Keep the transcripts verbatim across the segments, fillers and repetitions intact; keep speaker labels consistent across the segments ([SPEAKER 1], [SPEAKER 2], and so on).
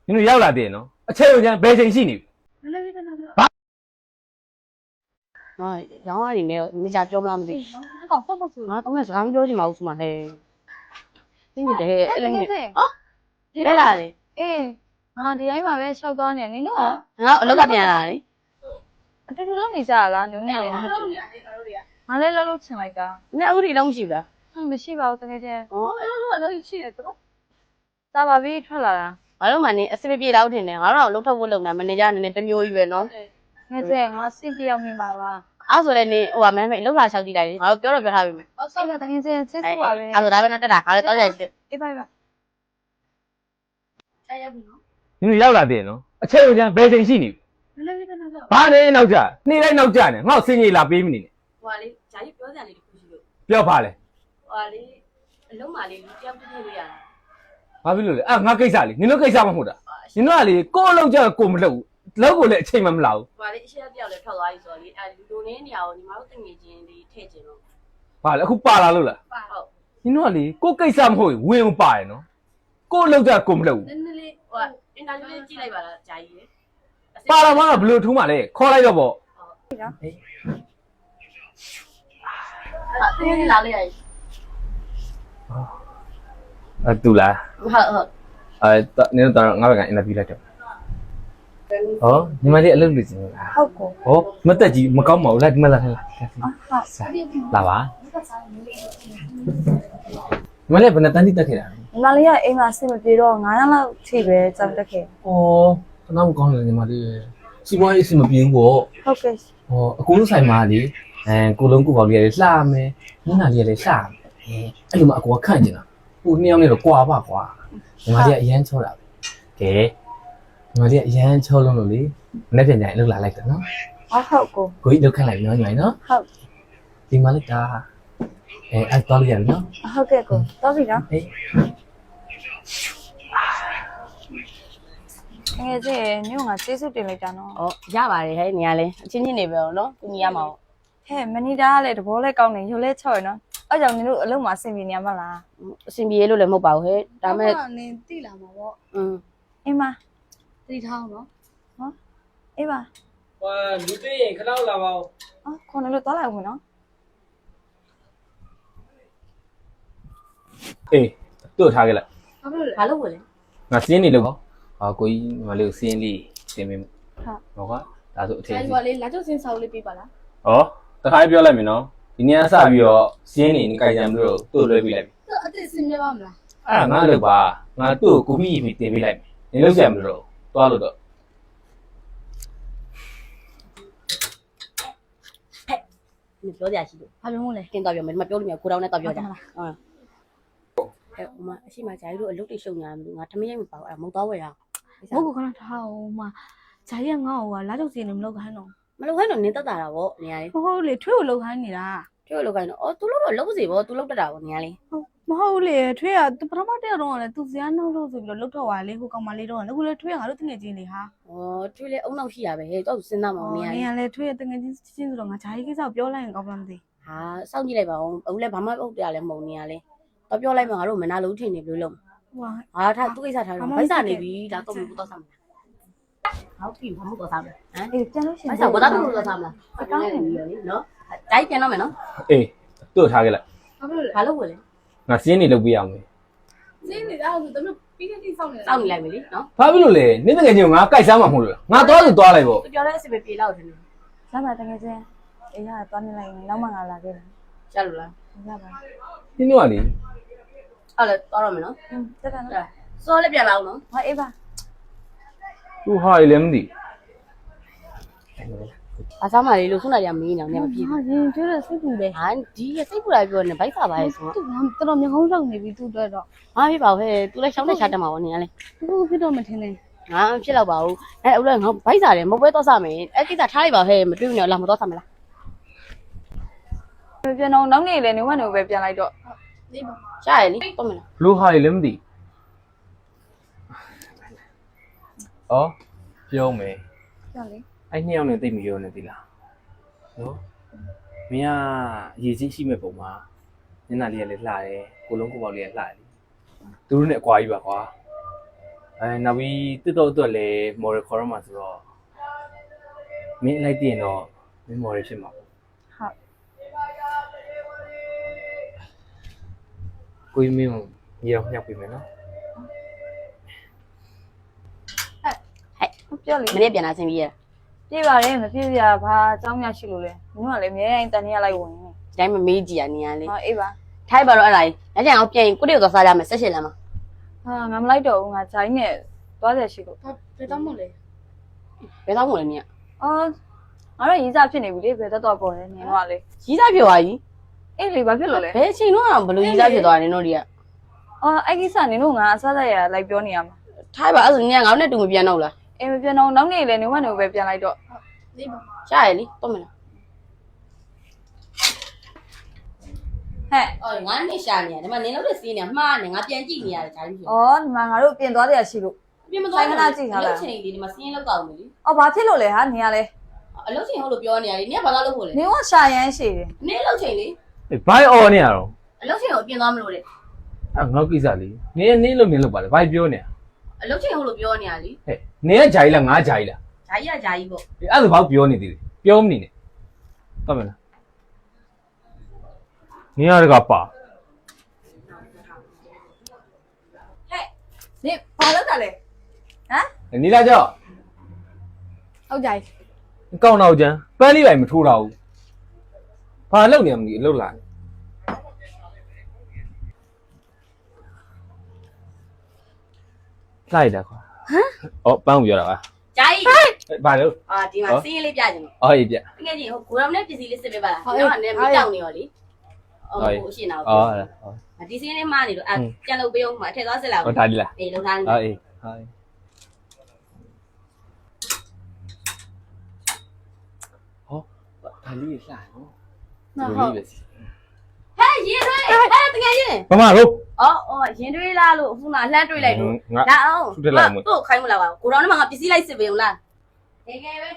[SPEAKER 1] 你们要哪点喏？啊，车有讲白天洗你。
[SPEAKER 2] 啊，然后你那你家叫不那么的，
[SPEAKER 3] 搞错不是？
[SPEAKER 2] 啊，当然是他们叫的毛出嘛嘞，你这那个啊，来啦的，
[SPEAKER 3] 哎，啊，ဒီတိုင်းမှာပဲရှောက်သွားနေနေလို့
[SPEAKER 2] 啊，我个点啦的，
[SPEAKER 3] အတူတူလုပ်နေကြလားညနေလေးငါလည်းလှုပ်လှုပ်ချင်လိုက်တာ
[SPEAKER 2] 那屋里东西的，
[SPEAKER 3] မရှိပါဘူးတကယ်ချင်း
[SPEAKER 2] 哦，
[SPEAKER 3] အဲ့လိုရှိတယ်တော့သာပါပြီထွက်လာတာ
[SPEAKER 2] 我老妈呢，是不是别老听的，我老老头不老呢，们人家呢，这牛鱼喏，
[SPEAKER 3] ငါကျငါစိတ်ပြောင်းနေပါလား
[SPEAKER 2] 啊，说嘞呢，我们没老大小弟来的，我表了表他们，
[SPEAKER 3] အဲ့ဒါတကယ်ချင်းဆက်စုပါပဲ
[SPEAKER 2] 啊，说他们那这啦，啊，到这去，
[SPEAKER 3] အေးပါပါ
[SPEAKER 1] 你们要哪点喏？啊，车有讲白天洗你。
[SPEAKER 3] မလေးလေးကတော့
[SPEAKER 1] ဘာလဲနောက်ကြနေ့တိုင်းနောက်ကြနေငါ့ကိုစင်ကြီးလာပေးမနေနဲ့
[SPEAKER 2] 我嘞，家里表姐哩不是了，
[SPEAKER 1] ပြောပါလေ
[SPEAKER 2] 我嘞，老妈哩，这样不对呀，
[SPEAKER 1] ဘာဖြစ်လို့လဲအာငါကိစ္စလေနင်တို့ကိစ္စမဟုတ်တာနင်တို့ကလေကိုယ့်အလုပ်ကြကိုမလုပ်ဘူးလောက်ကိုလည်းအချိန်မှမလာဘူး
[SPEAKER 2] 我嘞，现在表嘞跳သွားပြီဆိုတော့လေအဲလူနေနေအောင်ညီမတို့တငယ်ချင်းလေးထည့်ကျင်လို့
[SPEAKER 1] ဘာလဲအခုပါလာလို့လား
[SPEAKER 2] ဟုတ်
[SPEAKER 1] နင်တို့ကလေကိုယ့်ကိစ္စမဟုတ်ရင်ဝင်မပါရနော်ကိုယ့်အလုပ်ကြကိုမလုပ်ဘူး
[SPEAKER 2] နည်းနည်းလေးဟိုအင်တာဗျူးလေးကြည့်လိုက်ပါလားဂျာကြီးလေ
[SPEAKER 1] ပါလာမှတော့ဘယ်လိုထူးမှလဲခေါ်လိုက်တော့ပေါ့
[SPEAKER 2] ဟာတင်းနေလာလေးရည်
[SPEAKER 1] အဲတူလား
[SPEAKER 2] ဟုတ်ဟုတ်
[SPEAKER 1] အဲနင်တို့တော့ငါဘက်ကအင်တာဗျူးလိုက်တော့ဟောညီမလေးအလုပ်လုပ်နေလား
[SPEAKER 3] ဟုတ်ကို
[SPEAKER 1] ဟောမတက်ကြီးမကောင်းပါဘူးလားဒီမှာလာထိုင်လာလာပါညီမလေးဘယ်နဲ့တန်းတိတက်ခဲ့တာ
[SPEAKER 3] ညီမလေးကအိမ်မှာစိတ်မပြေတော့9ရက်လောက်ထိပဲကြောက်တက်ခဲ့
[SPEAKER 1] ဩခဏမကောင်းတယ်ညီမလေးစီပွားရေးအဆင်မပြေဘူးပေါ့
[SPEAKER 3] ဟုတ်ကဲ့
[SPEAKER 1] ဟောအကူဆိုင်မှာလေအဲကိုလုံးကိုပေါလေးလှမယ်ညနာလေးလည်းလှမယ်အဲအဲ့လိုမှအကူကခန့်ကျင်တာဟိုနှစ်ယောက်နဲ့တော့ကွာပါကွာညီမလေးကအရန်ချောတာပဲကဲညီမလေးကအရန်ချောလုံးလို့လေမနေ့ပြန်ကြရင်အလုပ်လာလိုက်တယ်နော်
[SPEAKER 3] ဟုတ်ဟုတ်ကို
[SPEAKER 1] ကိုကြီးလုပ်ခိုင်းလိုက်နော်ညီမလေးနော်
[SPEAKER 3] ဟုတ်
[SPEAKER 1] ဒီမှာလည်းဒါအဲအဲ့တော့ရပြီနော်
[SPEAKER 3] ဟုတ်ကဲ့ကိုတော့ပြီနော်
[SPEAKER 1] ဟေး
[SPEAKER 3] ငယ်ချင်းညို့ငါကျေးဇူးတင်လိုက်တာနော်
[SPEAKER 2] ဩရပါတယ်ဟဲ့ညီကလည်းအချင်းချင်းနေပဲနော်သူညီရမှာပေါ့
[SPEAKER 3] ဟဲ့မနီတာကလည်းတဘောလဲကောင်းနေရုပ်လဲချော့ရနော်အဲ့ကြောင့်နင်တို့အလုံးမှာအဆင်ပြေနေရမလား
[SPEAKER 2] အဆင်ပြေလို့လည်းမဟုတ်ပါဘူးဟဲ့ဒါမဲ့
[SPEAKER 3] နင်တိလာမှာပေါ့
[SPEAKER 2] อืม
[SPEAKER 3] အင်းမ
[SPEAKER 2] တိထားအောင်နော်
[SPEAKER 3] နော်အေးပါ
[SPEAKER 1] ဟိုလူတွေ့ရင်ခဏလာပါဦး
[SPEAKER 3] အော်ခေါင်းလို့သွားလိုက်ဦးမယ်နော်
[SPEAKER 1] အေးတို့ထားခဲ့လိုက်
[SPEAKER 2] ဘာလို့ဝင်လဲ
[SPEAKER 1] ငါစင်းနေလို့ပေါ့ဟာကိုကြီးညီမလေးကိုစင်းလေးတင်ပေးမယ်
[SPEAKER 3] ဟုတ်
[SPEAKER 1] ဟောကဒါဆိုအထည်
[SPEAKER 4] ဒါ
[SPEAKER 1] စီ
[SPEAKER 4] ဒီပေါ်လေးလာကျုပ်စင်းစာအုပ်လေးပေးပါလား
[SPEAKER 1] ဟောတခါပြောလိုက်မယ်နော်ဒီနေ့ကစပြီးတော့စင်းနေကြိုင်ကြံပြီးတော့တို့လွှဲပေးလိုက်ပြီ
[SPEAKER 4] သူအစ်စ်စင်းပြပါမလား
[SPEAKER 1] အဲ့ဒါငါလုပ်ပါငါတို့ကိုမိပြီးတင်ပေးလိုက်မယ်နေလို့ကြံမလို့သွားလို့တော့
[SPEAKER 2] 你表姐是的，
[SPEAKER 3] ဘာလို့မို့လဲ
[SPEAKER 2] 跟到表妹，他妈表里面过到那到表姐，嗯。哎，我们起码家里头六对兄弟，我他们也没包，哎，没到位啊。
[SPEAKER 3] ဘုတ်ကခဏထားအောင်မဂျာကြီးကငါ့ကိုကလာတော့စီနေမလုပ်ခိုင်းတော့
[SPEAKER 2] မလုပ်ခိုင်းတော့နင်းတက်တာဗောနေရလေ
[SPEAKER 3] မဟုတ်လေထွေးကိုလုပ်ခိုင်းနေတာ
[SPEAKER 2] ကျွတ်လုပ်ခိုင်းတော့အော် तू လုပ်တော့လုပ်စီဗော तू လုပ်တတ်တာဗောနေရလေ
[SPEAKER 3] မဟုတ်လေထွေးကပထမတည့်တော့ကလည်းသူစရာနှောက်လို့ဆိုပြီးတော့လုတ်တော့ပါလေဟိုကောင်မလေးတော့အခုလေထွေးကငါတို့တငယ်ချင်းလေဟာ
[SPEAKER 2] ဩကျွတ်လေအုံနောက်ရှိရပဲဟဲ့တော့စဉ်းစားမအောင်နေရ
[SPEAKER 3] နေ
[SPEAKER 2] လေ
[SPEAKER 3] ရလေထွေးရဲ့တငယ်ချင်းချင်းဆိုတော့ငါဂျာကြီးကိစ္စပြောလိုက်ရင်ကောင်းလားမသိ
[SPEAKER 2] ဟာစောင့်ကြည့်လိုက်ပါဦးအခုလည်းဘာမှဟုတ်တယ်လည်းမဟုတ်နေရလေတော့ပြောလိုက်မှငါတို့မနာလို့ထင်နေဘယ်လိုလုပ်
[SPEAKER 3] ဟွာ
[SPEAKER 2] ဟာထားသူ့ကိစ္စထားတော့ဗိုက်စာနေပြီဒါတော့ဘူးတော့ဆမ်းမလားဟုတ်ပြီဘာမှမတော့ဆမ်းဟမ်
[SPEAKER 3] အေးပြန်လို့ရှိရ
[SPEAKER 2] ဗို
[SPEAKER 3] င်
[SPEAKER 2] က်စာဘာသာတော့တော့ဆမ်းမလားအကောင်းနေပြီလေနော်တိုင်းပြန်တော့မယ်နော်
[SPEAKER 1] အေးတို့ထားခဲ့လိုက်
[SPEAKER 4] ဘာလို့လဲ
[SPEAKER 2] ဘာလို့ဝင်လဲ
[SPEAKER 1] ငါစင်းနေလုပ်ပြရအောင်မယ်
[SPEAKER 4] စင်းနေတာဆိုတမလို့ပြီးတဲ့တိစောင့်နေတာ
[SPEAKER 2] စောင့်နေလိုက်ပြီလေနော်
[SPEAKER 1] ဘာဖြစ်လို့လဲနင်းတကယ်ချင်းငါကြိုက်စားမှာမဟုတ်လို့လားငါသွားလို့သွားလိုက်ပေါ့
[SPEAKER 2] သူပြောတဲ့အစီအမပြေလောက်တယ်နော်
[SPEAKER 3] ရပါတငယ်ချင်းအေးရသွားနေလိုက်နောက်မှငါလာခဲ့တယ်
[SPEAKER 2] ရလို့လား
[SPEAKER 3] ရပါ
[SPEAKER 1] နင်းတို့ကလေ
[SPEAKER 2] အဲ့လေတော်ရမယ်နော်
[SPEAKER 3] อืมတက်တာနော်
[SPEAKER 2] စောလည်းပြန်လာအောင်နော်
[SPEAKER 3] ဟောအေးပါ
[SPEAKER 1] သူဟာရလည်းမသိ
[SPEAKER 2] အစားမလေးလို့ခုနကမင်းနေအောင်နေမပြေ
[SPEAKER 3] ဟာရင်ကျွတ်တဲ့စိတ်ပူတယ်
[SPEAKER 2] ဟာဒီစိတ်ပူလာပြောနေဗိုက်စာပါရဲ့ဆို
[SPEAKER 3] သူကတော်တော်မျက်ခုံးလောက်နေပြီသူ့အတွက်တော့
[SPEAKER 2] ဟာပြပါဟဲ့သူလည်းရှောင်းနေရှာတက်မှာဗောနေရလေ
[SPEAKER 3] သူဖြစ်တော့မထင်နဲ့
[SPEAKER 2] ငါဖြစ်တော့ပါဘူးအဲအဲ့လိုငါဗိုက်စာတယ်မပွဲတော့စမယ်အဲ့ကိစ္စထားလိုက်ပါဟဲ့မတွေ့ဘူးနော်လာမတော့စမလား
[SPEAKER 3] ပြန်တော့နောက်နေ့လေနေဝက်နေပဲပြန်လိုက်တော့
[SPEAKER 4] လေးပါ
[SPEAKER 2] ရှားရလေတော့မလား
[SPEAKER 1] လူဟာရလည်းမသိဩပြောမယ်
[SPEAKER 3] ပြန်လေ
[SPEAKER 1] အဲ့နှစ်ယောက်နဲ့တိတ်မပြောနဲ့သီလားနော်မင်းကရေကြီးရှိမဲ့ပုံမှာညနာလေးကလည်းလှတယ်ကိုလုံးကိုပေါက်လေးကလှတယ်သူတို့နဲ့အကွာကြီးပါကွာအဲနောက်ပြီးတစ်တော့အတွက်လည်းမော်ရခေါ်ရမှာဆိုတော့မင်းလိုက်တင်တော့မင်းမော်ရဖြစ်မှာ
[SPEAKER 3] ဟုတ်
[SPEAKER 1] ကိုကြီးမင်းကိုညီအောင်ညှောက်ပေးမယ်နော်
[SPEAKER 3] ပြောလေ
[SPEAKER 2] မနေ့ပြန်လာဆင်းပြီးရ
[SPEAKER 3] ပြေးပါလေမပြေးစရာဘာအကြောင်းများရှိလို့လဲမင်းကလည်းအများကြီးတန်နေရလိုက်ဝင်နေ
[SPEAKER 2] ဒီတိုင်းမမေးကြည့်ရနေရလေ
[SPEAKER 3] ဟောအေးပါ
[SPEAKER 2] ထိုက်ပါတော့အဲ့ဒါကြီးညချင်အောင်ပြန်ကိုတိကိုသွားစားကြမယ်ဆက်ရှင်လမ်းမှာ
[SPEAKER 3] ဟာငါမလိုက်တော့ဘူးငါဂျိုင်းနဲ့သွားတယ်ရှိလို့
[SPEAKER 4] ဘာဘယ်တော့မှလဲ
[SPEAKER 2] ဘယ်တော့မှလည်းမြင်
[SPEAKER 3] အော်ငါတို့ရေးစားဖြစ်နေပြီလေဘယ်တော့တော့ပေါ်လဲနင်တော့လေ
[SPEAKER 2] ကြီးစားဖြစ်သွားကြီး
[SPEAKER 3] အေးလေဘာဖြစ်လို့လဲ
[SPEAKER 2] ဘယ်အချိန်တော့ဘလို့ကြီးစားဖြစ်သွားတယ်တို့တွေက
[SPEAKER 3] အော်အဲ့ကိစ္စနင်တို့ငါအစားဆက်ရလိုက်ပြောနေရမှာ
[SPEAKER 2] ထိုက်ပါအဲ့ဆိုညငါတို့နဲ့တူမပြန်တော့လား
[SPEAKER 3] အေးမပြန်တော့နောက်နေ့လေနေဝက်နေပဲပြန်လိုက်တော့
[SPEAKER 4] လေးပါ
[SPEAKER 2] ရှားရလေတော့မလား
[SPEAKER 3] ဟဲ့
[SPEAKER 2] အော်ငါနဲ့ရှာနေရတယ်ဒီမှာနင်တို့တဲ့စီးနေမှားနေငါပြန်ကြည့်နေရတယ်ဂျာကြီးဖြစ်
[SPEAKER 3] အော်ဒီမှာငါတို့ပြင်သွားတယ်ရှိလို့
[SPEAKER 2] ပြင်မသွားချိန်လေးဒီမှာစီးရင်လောက်ကောင်းတယ်လေ
[SPEAKER 3] အော်ဘာဖြစ်လို့လဲဟာနင်ကလေ
[SPEAKER 2] အလုပ်ချိန်ဟုတ်လို့ပြောနေရတယ်နင်ကဘာလို့လုပ်ဖို့လဲ
[SPEAKER 3] နင်ကရှာရမ်းရှိတယ်
[SPEAKER 2] နင်လုပ်ချိန်လေ
[SPEAKER 1] အေးဘိုင်အော်နေရတော့
[SPEAKER 2] အလုပ်ချိန်ကိုပြင်သွားမလို့တဲ့
[SPEAKER 1] အဲငေါ့ကိစ္စလေးနင်းနင်းလို့နင်းလို့ပါလေဘိုင်ပြောနေ
[SPEAKER 2] အလုပ်ချိန်ဟုတ်လို့ပြောနေရလေ
[SPEAKER 1] ဟဲ့နင်းကဂျာကြီးလားငါဂျာကြီးလား
[SPEAKER 2] ဂျာကြီးကဂျာကြီးပေါ့
[SPEAKER 1] အေးအဲ့ဒါဘာပြောနေသေးလဲပြောမနေနဲ့ဟုတ်မလားနင်းရတကပါ
[SPEAKER 3] နင်ဘာလုပ်တာလဲဟမ်
[SPEAKER 1] နီလာကြောက်
[SPEAKER 4] ဟုတ်ကြ යි
[SPEAKER 1] ကောင်းတော့ကျန်ပန်းလေးပိုင်မထိုးတော့ဘူးဘာလုပ်နေမှမသိလှုပ်လာလိုက်တာကွာဟမ်အော်ပန်းကိုပြောတာပါ
[SPEAKER 2] ဂျာကြီး
[SPEAKER 1] ဘာလို့
[SPEAKER 2] အာဒီမှာစီးရင်လေးပြချင်တယ်
[SPEAKER 1] အော်ရေးပြ
[SPEAKER 2] တကယ်ကြီးဟိုကိုရောင်နဲ့ပစ္စည်းလေးစစ်ပေးပါလားကျွန်တော်ကလည်းမတောက်နေရောလေအော်ဟိုအရှင်နာကို
[SPEAKER 1] အော်ဟုတ်
[SPEAKER 2] ဒီစီးလေးမှားနေတော့အဲကြံလို့ပေးအောင်မှာထည့်သွားစစ်လာ
[SPEAKER 1] ဟောဒါဒီလား
[SPEAKER 2] အေးလုံထားနေ
[SPEAKER 1] အော်အေးဟုတ်ဟောဒါလေးလှနော်
[SPEAKER 3] ဟုတ်
[SPEAKER 2] ဟဲ့ရင်တွေးဟဲ့တကယ်ရင်
[SPEAKER 1] မမတို့
[SPEAKER 2] အော်အော်ရင်တွေးလားလို့အခုမှလှမ်းတွေးလိုက်လို့
[SPEAKER 1] ငါ
[SPEAKER 2] လာအောင်
[SPEAKER 1] သူတက်လိုက်မ
[SPEAKER 2] တို့ခိုင်းမလားပါကိုရောင်နဲ့မှငါပစ္စည်းလိုက်စစ်ပေးအောင်လားတကယ်ပဲ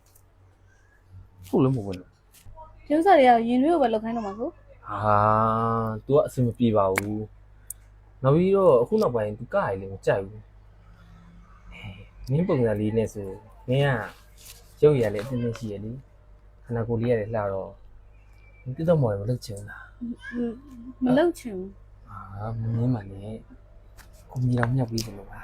[SPEAKER 1] ဟုတ်လို့မဟုတ်ဘူး
[SPEAKER 3] ရုပ်စားတွေကရင်တွေကိုပဲလောက်ခိုင်းတော့မှာကို
[SPEAKER 1] ဟာ तू ကအဆင်မပြေပါဘူးနောက်ပြီးတော့အခုနောက်ပိုင်း तू ကရည်လည်းမကြိုက်ဘူးနင်းပုံစံလေးနဲ့ဆိုနင်းကရုပ်ရည်လည်းအတင်းတင်းရှိရလေခန္ဓာကိုယ်လေးရတယ်လှတော့တိတော့မော်ရမလုပ်ချင်လား
[SPEAKER 3] မလောက်ချင်ဘူး
[SPEAKER 1] ဟာမင်းမနဲ့ကိုမီတော်မြတ်ပြီးတယ်လို့ပါ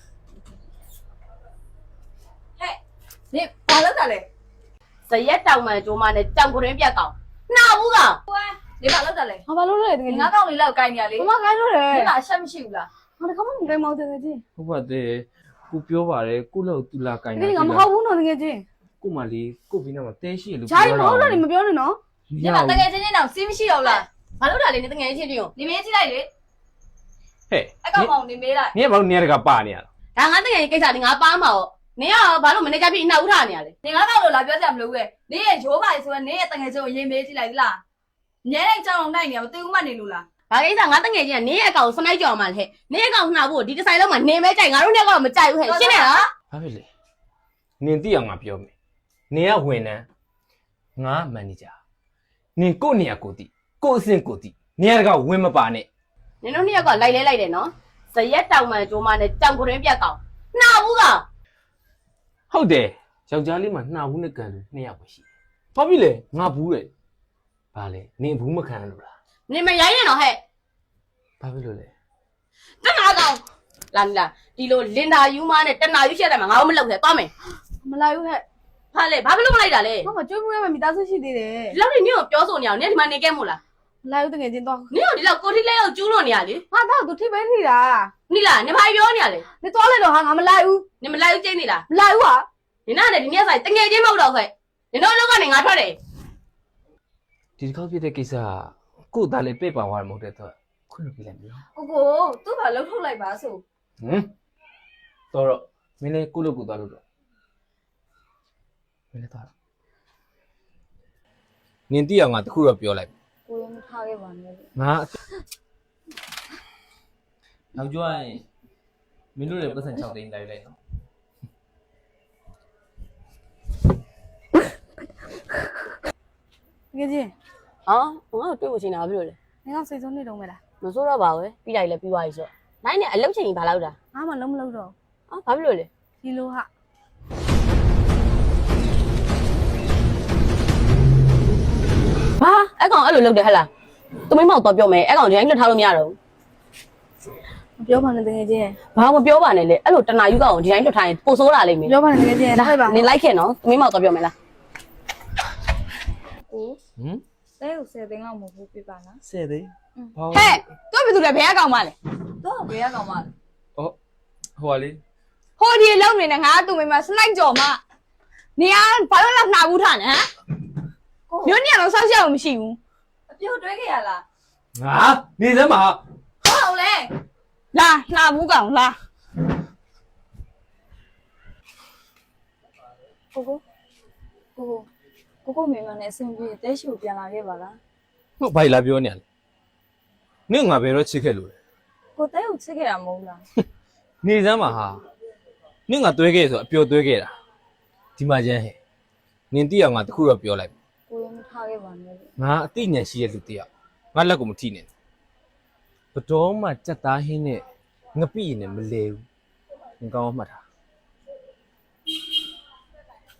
[SPEAKER 3] နင်ဘာလုပ်တာလဲ
[SPEAKER 2] ဇရက်တောင်မှန်ကြိုးမနဲ့ကြောင်ကရင်ပြတ်ကောင်နှောက်ဘူးကောင်
[SPEAKER 3] နင်ဘာလုပ်တာလဲ
[SPEAKER 4] ဟာဘာလို့လဲတကယ်
[SPEAKER 3] ငါးကောင်လေးလောက်ကိုင်းနေရလေ
[SPEAKER 4] မမကိုင်းလို့တယ်
[SPEAKER 3] နင်ကအရှက်မရှိဘူးလား
[SPEAKER 4] ငါတခါမှမကိုင်းမောင်းတကယ်ကြီး
[SPEAKER 1] ဟုတ်ပါတယ်ကိုပြောပါတယ်ကိုလောက်တူလာကိုင်း
[SPEAKER 4] တကယ်ငါမဟုတ်ဘူးနော်တကယ်ကြီး
[SPEAKER 1] ကိုမလေးကိုပြီးတော့တဲရှိလို့
[SPEAKER 4] ဂျာကြီးမဟုတ်လို့နေမပြောနဲ့နော်
[SPEAKER 3] နင်ကတကယ်ချင်းချင်းတော့စီးမရှိတော့လား
[SPEAKER 2] ဘာလို့ဒါလေးနဲ့တငယ်ချင်းချင်းရော
[SPEAKER 3] နင်မေးကြည့်လိုက်လေ
[SPEAKER 1] ဟဲ့
[SPEAKER 3] အကောင်ကောင်နင်မေးလိုက်
[SPEAKER 1] နင်ကဘာလို့နေရကပါနေရလဲ
[SPEAKER 2] ဒါငါတငယ်ချင်းကိစ္စလေးငါပါမှာပေါ့နင်ကဘာလို့မနေကြပြီနှောက်ထားနေရလဲ
[SPEAKER 3] နင်ငါကောင်လို့လာပြောစရာမလိုဘူးလေနင်ရဲ့ရိုးပါလေဆိုရင်နင်ရဲ့တငယ်ချင်းကိုရင်မေးကြည့်လိုက်လားညဲတဲ့ကြောင်လုံးနိုင်နေရမသိဘူးမှနေလို့လား
[SPEAKER 2] ဘာကိစ္စငါတငယ်ချင်းကနင်းရဲ့အကောင်စနိုက်ကြောင်မှလဲနင်းရဲ့အကောင်နှောက်ဖို့ဒီတစ်ဆိုင်လုံးမှာနေမဲကြိုက်ငါတို့နဲ့ကတော့မကြိုက်ဘူးဟဲ့ရှင်းနေလား
[SPEAKER 1] ဘာဖြစ်လဲနင်သိအောင်ငါပြောမယ်နင်ကဝန်ထမ်းငါမန်နေဂျာနင်ကိုနေရကိုတိကိုအဆင့်ကိုတိနင်ကဝင်မပါနဲ့
[SPEAKER 2] နင်တို့နှစ်ယောက်ကလိုက်လဲလိုက်တယ်နော်ဇရက်တောင်မှန်ကြိုးမနဲ့ကြောင်ကရင်ပြတ်ကောင်နှောက်ဘူးကောင်
[SPEAKER 1] ဟုတ်တယ်ယောက်ျားလေးမှာနှာဘူးနဲ့ကန်လို့နှစ်ယောက်ပဲရှိတယ်ဘာဖြစ်လဲငါဘူးတယ်ဘာလဲနင်ဘူးမခံလို့လား
[SPEAKER 2] နင်မရိုင်းနဲ့တော့ဟဲ့
[SPEAKER 1] ဘာဖြစ်လို့လဲ
[SPEAKER 2] တနာကောင်လာလာဒီလိုလင်တာယူမနဲ့တနာယူရှက်တယ်မှာငါတို့မလုပ်ခဲ့သွားမယ်
[SPEAKER 4] မလိုက်ဘူးဟဲ့
[SPEAKER 2] ဟာလေဘာဖြစ်လို့မလိုက်တာလဲ
[SPEAKER 4] မမကြွေးမှုရမယ်မိသားစုရှိသေးတယ်
[SPEAKER 2] ဒီလောက်နေနင်ကိုပြောဆိုနေအောင်နင်ဒီမှာနေခဲ့မို့လား
[SPEAKER 4] မလိုက်ဘူးတကယ်ချင်းတော့
[SPEAKER 2] နင်ကဒီလောက်ကိုထိလဲရောက်ကျူးလို့နေရလေ
[SPEAKER 4] ဟာတော့သူထိပဲထိတာ
[SPEAKER 2] နိလားနင်ဘာပြောနေရလဲ
[SPEAKER 4] နေသွားလိုက်တော့ဟာငါမလိုက်ဘူး
[SPEAKER 2] နင်မလိုက်ဘူးကျင်းနေလား
[SPEAKER 4] မလိုက်ဘူးဟာ
[SPEAKER 2] နင်ကလည်းဒီနေ့ဆိုင်တငယ်ချင်းမဟုတ်တော့ခဲ့နင်တို့လောကနေငါထွက်တယ်
[SPEAKER 1] ဒီတစ်ခေါက်ဖြစ်တဲ့ကိစ္စကကို့သားလေးပြ့ပါသွားတယ်မဟုတ်တဲ့တော့ခွင့်လို့ပြလိုက်မလား
[SPEAKER 3] ကိုကိုသူ့ဘာလှုပ်ထုတ်လိုက်ပါဆို
[SPEAKER 1] ဟမ်တော်တော့မင်းလည်းကိုလို့ကိုသွားလို့တော့မင်းလည်းသွားတော့နင်တိအောင်ငါတခုတော့ပြောလိုက်
[SPEAKER 3] ကိုရင်မထားခဲ့ပါနဲ့
[SPEAKER 1] ငါနောက်ကျော်ရင်မင်းတို့လည်းပတ်စံ၆သိန်းလိုက်လိုက်နော်
[SPEAKER 4] တကယ်ကြီး
[SPEAKER 2] ဟောငါတို့တွေ့ဖို့ချိန်တာဘာဖြစ်လို့လဲ
[SPEAKER 4] နင်ကစိတ်ဆုံးနေတော့မလား
[SPEAKER 2] မစိုးတော့ပါဘူးပြီးလိုက်လဲပြီးသွားပြီဆိုတော့နိုင်နဲ့အလုပ်ချိန်ကြီးဘာလောက်တာ
[SPEAKER 4] ငါမှလုံးမလုံးတော့
[SPEAKER 2] ဟအာဘာဖြစ်လို့လဲ
[SPEAKER 3] ဒီလိုဟာ
[SPEAKER 2] ဘာအဲ့ကောင်အဲ့လိုလုပ်တယ်ဟဲ့လားသူမိမောက်တော့ပြောမယ်အဲ့ကောင်ဒီတိုင်းလွတ်ထားလို့မရတော့
[SPEAKER 3] မပြောပါနဲ့တကယ်ချင်း
[SPEAKER 2] ဘာမပြောပါနဲ့လေအဲ့လိုတနာယူကောင်ဒီတိုင်းလွတ်ထားရင်ပိုဆိုးတာလိမ့်မယ်
[SPEAKER 3] ပြောပါနဲ့တကယ်ချင်းလိုက်ပါ
[SPEAKER 2] နင်လိုက်ခဲ့နော်သူမိမောက်တော့ပြောမယ်လား
[SPEAKER 3] ကို
[SPEAKER 1] ဟမ်
[SPEAKER 3] တဲကိုဆယ်သိန်းလောက်မဟုတ်ဘူးပြပါလား
[SPEAKER 1] ဆယ်သိဘာ
[SPEAKER 2] ဟဲ့သူကဘယ်သူလဲဘယ်ကကောင်မလဲ
[SPEAKER 3] တော့ဘယ်ရကောင်မလဲ
[SPEAKER 1] ဩဟိုပါလေ
[SPEAKER 4] ဟိုဒီလောက်နေနဲ့ငါသူ့မိမစနိုက်ကြော်မနေရဘာလို့လောက်နှာဘူးထားနေဟမ်မျိုးညတော့ဆောက်ရှောက်မရှိဘူး
[SPEAKER 3] အပြုတ်တွဲခဲ့ရလား
[SPEAKER 1] ငါနေစမ်းပါ
[SPEAKER 3] ဟုတ်လေ
[SPEAKER 4] လာနှာဘူးကောင်လာ
[SPEAKER 3] ကိုကိုကိုကိုကိုမိမနဲ့အဆင်ပြေတဲရှိကိုပြန်လာခဲ့ပါလား
[SPEAKER 1] ဟုတ်ဘာလာပြောနေရလဲနင့်ငါဘယ်တော့ချစ်ခဲ့လို့လဲ
[SPEAKER 3] ကိုတဲကိုချစ်ခဲ့တာမဟုတ်လား
[SPEAKER 1] နေစမ်းပါဟာနင့်ငါတွဲခဲ့ဆိုအပျော်တွဲခဲ့တာဒီမှာကျန်းဟဲ့နင်တိအောင်ငါတခုတော့ပြောလိုက်
[SPEAKER 3] ကိုရင်မထားခဲ့ပါနဲ့
[SPEAKER 1] ငါအသိဉာဏ်ရှိတဲ့လူတယောက်ငါလက်ကိုမထိနဲ့ဘတော်မှစက်သားဟင်းနဲ့ငပိရင်လည်းမလဲဘူးငါကောင်းမှတ်တာ